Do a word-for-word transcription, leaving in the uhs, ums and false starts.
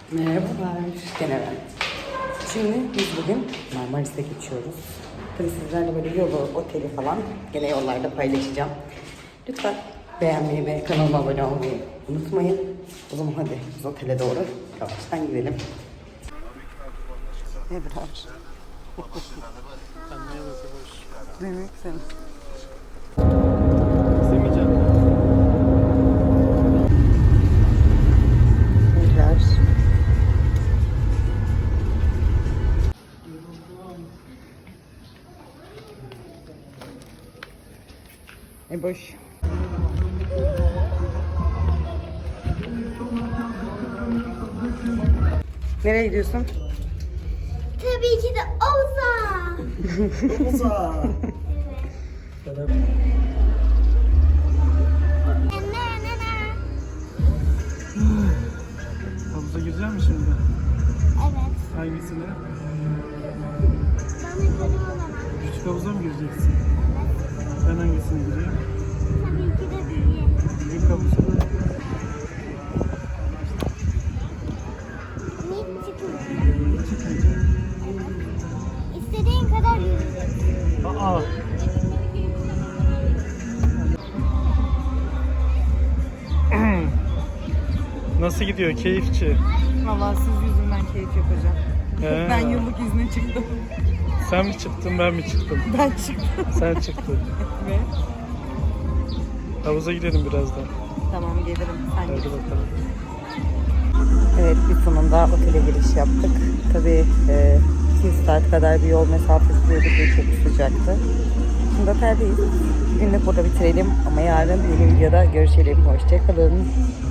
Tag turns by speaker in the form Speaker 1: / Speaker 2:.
Speaker 1: Merhabalar, gene ben. Şimdi biz bugün Marmaris'e geçiyoruz. Tabii sizlerle böyle yolu, oteli falan gene yollarda paylaşacağım. Lütfen beğenmeyi ve kanalıma abone olmayı unutmayın. O zaman hadi biz otele doğru yavaştan gidelim. Ebrar. Demek sen. Ebrar. E boş. Nereye gidiyorsun?
Speaker 2: Tabii ki de Oza.
Speaker 3: Oza. Havuza girecek misin şimdi?
Speaker 2: Evet.
Speaker 3: Hangisine?
Speaker 2: Ben yukarı olamam.
Speaker 3: Küçük havuza mı gireceksin? Ben hangisine gireyim?
Speaker 2: Tabii ki de büyüğe.
Speaker 3: Büyük havuza.
Speaker 2: Hiç çıkmıyor.
Speaker 3: Çıkmayacak.
Speaker 2: İstediğin kadar yürüyeceksin.
Speaker 3: Aa. Nasıl gidiyor? Keyifçi.
Speaker 1: Vallahi siz yüzünden keyif yapacağım.
Speaker 3: He.
Speaker 1: Ben yıllık izne çıktım.
Speaker 3: Sen mi çıktın, ben mi çıktım?
Speaker 1: Ben çıktım.
Speaker 3: Sen çıktın.
Speaker 1: Ve
Speaker 3: Havuza gidelim birazdan.
Speaker 1: tamam gelirim. Sen
Speaker 3: Hadi
Speaker 1: git.
Speaker 3: bakalım.
Speaker 1: Evet, bir sonunda otele giriş yaptık. Tabii e, iki saat kadar bir yol mesafesi yürüdük ve çok sıcaktı. Şimdi oteldeyiz. Bugün de burada bitirelim ama yarın yeni videoda görüşelim. Hoşçakalın.